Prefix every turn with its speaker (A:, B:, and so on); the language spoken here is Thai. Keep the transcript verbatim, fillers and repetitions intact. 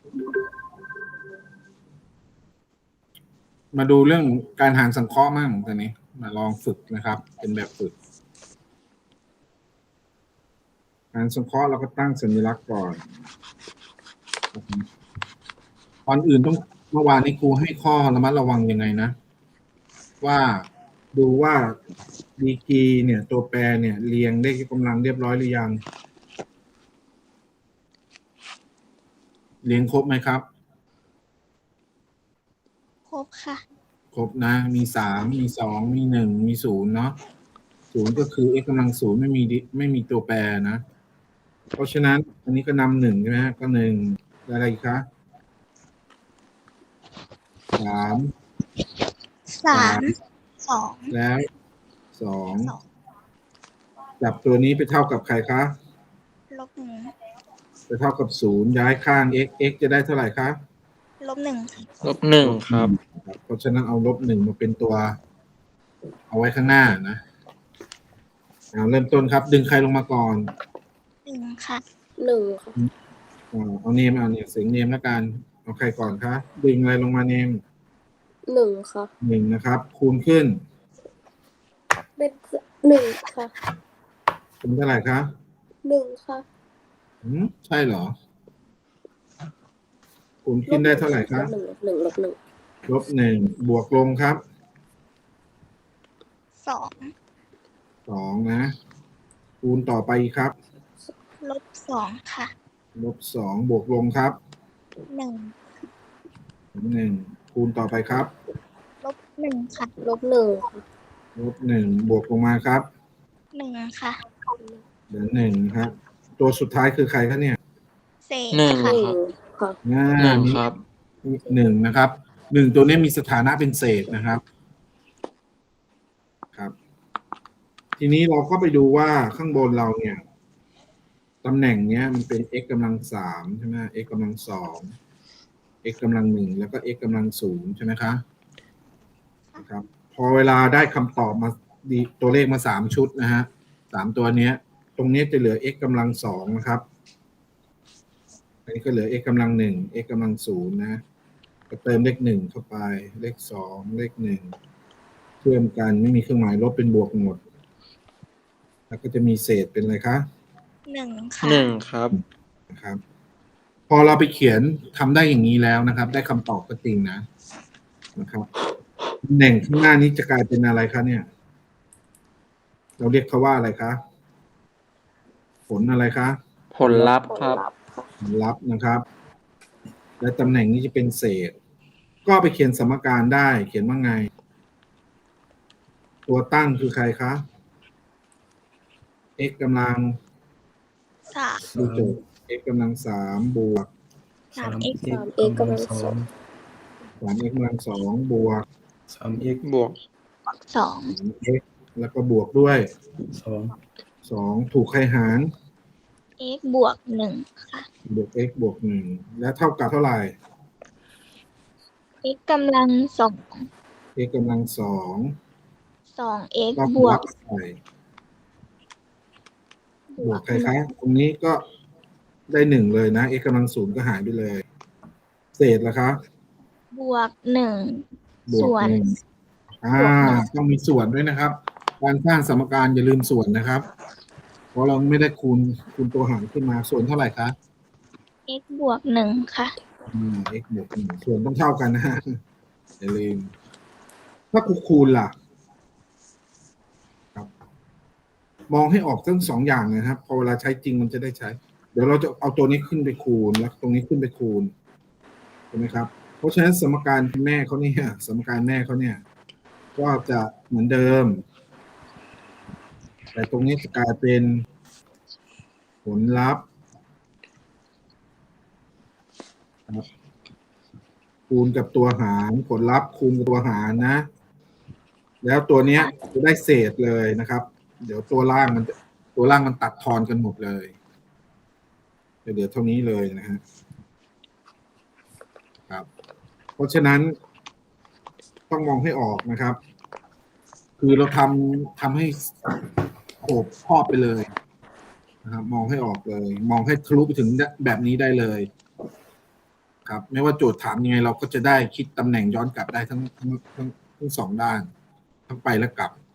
A: มาดูเรื่องการหารสังเคราะห์มั่งตอนนี้มาลองฝึกนะครับ เป็นแบบฝึกหารสังเคราะห์เราก็ตั้งสัญลักษณ์ก่อนก่อนอื่นต้องเมื่อวานนี้ครูให้ข้อระมัดระวังยังไงนะว่าดูว่าดีกรีเนี่ยตัวแปรเนี่ยเรียงได้กำลังเรียบร้อยหรือยังเรียงครบไหมครับ
B: ครบค่ะ
A: ครบนะมีสามมีสองมีหนึ่งมีศูนย์เนาะศูนย์ก็คือ x กำลังศูนย์ไม่มีไม่มีตัวแปรนะเพราะฉะนั้นอันนี้ก็นำหนึ่งใช่ไหมก็หนึ่งอะไรอีกคะสาม
B: สามสอง
A: แล้วสองจับตัวนี้ไปเท่ากับใครคะ
B: ลบหนึ่ง
A: ไปเท่ากับศูนย์ย้ายข้าง x x จะได้เท่าไหร่คะ
B: ลบหนึ่ง
C: ลบหนึ่งครับ
A: เพราะฉะนั้นเอาลบหนึ่งมาเป็นตัวเอาไว้ข้างหน้านะเริ่มต้นครับดึงใครลงมาก่อน
B: หนึ่งค่ะ
D: หนึ่งค่ะ
A: เอาเนมเอาเนี่ยเสียงเนมแล้วกันเอาใครก่อนคะดึงอะไรลงมาเนม
D: หนึ่งค่ะ
A: หนึ่งนะครับคูณขึ้น
D: เป็นหนึ่งค่ะ
A: เป็นเท่าไหร่คะ
D: หนึ่งค่ะ
A: อืมใช่เหรอคูณขึ้นได้เท่าไหร่คะ
D: หนึ่งหนึ่งลบหนึ่ง
A: ลบหนึ่งบวกลงครับ
B: สอง
A: สองนะคูณต่อไปครับ
B: ลบสองค่ะ
A: ลบสองบวกลงครับ
B: หนึ่ง
A: หนึ่งคูณต่อไปครับ
B: ลบหนึ่งค่ะ
D: ลบหนึ่ง
A: ลบหนึ่งบวกลงมาครับ
B: หนึ่งค่ะ
A: เหลือหนึ่งครับตัวสุดท้ายคือใครคะเนี่ย
B: เศษ
C: หนึ่ง
B: ค่ะ
D: ค่ะ
C: หนึ่งครับ
A: หนึ่งนะครับหนึ่งตัวนี้มีสถานะเป็นเศษนะครับครับทีนี้เราก็ไปดูว่าข้างบนเราเนี่ยตำแหน่งเนี้ยมันเป็น x กำลังสามใช่ไหม x กำลังสอง x กำลังหนึ่งแล้วก็ x กำลังศูนย์ใช่ไหมคะนะครับพอเวลาได้คำตอบมาดีตัวเลขมาสามชุดนะฮะสามตัวเนี้ยตรงนี้จะเหลือ x กำลังสองนะครับอันนี้ก็เหลือ x กำลังหนึ่ง x กำลังศูนย์นะก็เติมเลขหนึ่งเข้าไปเลขสองเลขหนึ่งเชื่อมกันไม่มีเครื่องหมายลบเป็นบวกหมดแล้วก็จะมีเศษเป็นอะไรคะ
B: หนึ่งค่ะ
C: หนึ่งครับ
A: นะครับพอเราไปเขียนทำได้อย่างนี้แล้วนะครับได้คำตอบก็จริงนะนะครับตำแหน่งข้างหน้านี้จะกลายเป็นอะไรคะเนี่ยเราเรียกเขาว่าอะไรคะผลอะไรคะ
C: ผลลัพธ์ครับ
A: ผลลัพธ์นะครับและตำแหน่งนี้จะเป็นเศษก็ไปเขียนสมการได้เขียนว่าไงตัวตั้งคือใครคะ x กำลัง
B: สาม
A: ดูโจทย์ x กำลังสามบวก
B: สาม x
D: สาม x กำลังสอง
A: สาม x กำลังสองบวก
C: สาม x บวก
B: สอง
A: x แล้วก็บวกด้วย
C: สอง
A: สองถูกใครหาร
B: x บวกหนึ่งค่ะ
A: บวก x บวกหนึ่งและเท่ากับเท่าไหร่
B: x กำลังสอง
A: x กำลังสอง
B: สอง x
A: ก็
B: บวก
A: ใส่บวกใครคะตรงนี้ก็ได้หนึ่งเลยนะ x กำลังศูนย์ก็หายไปเลยเศษละคะ
B: บวกหนึ่ง
A: ส่วนอ่าต้องมีส่วนด้วยนะครับการสร้างสมการอย่าลืมส่วนนะครับเพราะเราไม่ได้คูณคูณตัวหารขึ้นมาส่วนเท่าไหร่คะ
B: x บวกหนึ่งค่ะ
A: อืม x บวกหนึ่งส่วนต้องเท่ากันนะฮะอย่าลืมถ้าคูณคูณล่ะครับมองให้ออกทั้งสองอย่างนะครับพอเวลาใช้จริงมันจะได้ใช้เดี๋ยวเราจะเอาตัวนี้ขึ้นไปคูณแล้วตรงนี้ขึ้นไปคูณใช่ไหมครับเพราะฉะนั้นสมการแม่เขาเนี่ยสมการแม่เขาเนี่ยก็จะเหมือนเดิมแต่ตรงนี้จะกลายเป็นผลลัพธ์คูณกับตัวหารผลลัพธ์คูณกับตัวหารนะแล้วตัวเนี้ยจะได้เศษเลยนะครับเดี๋ยวตัวล่างมันตัวล่างมันตัดทอนกันหมดเลยเดี๋ยวเท่านี้เลยนะฮะครับเพราะฉะนั้นต้องมองให้ออกนะครับคือเราทำทำให้โอบครอบไปเลยนะครับมองให้ออกเลยมองให้ทะลุไปถึงแบบนี้ได้เลยครับ ไม่ว่าโจทย์ถามยังไงเราก็จะได้คิดตำแหน่งย้อนกลับได้ทั้งทั้งทั้งทั้งสองด้าน ทั้งไปและกลับ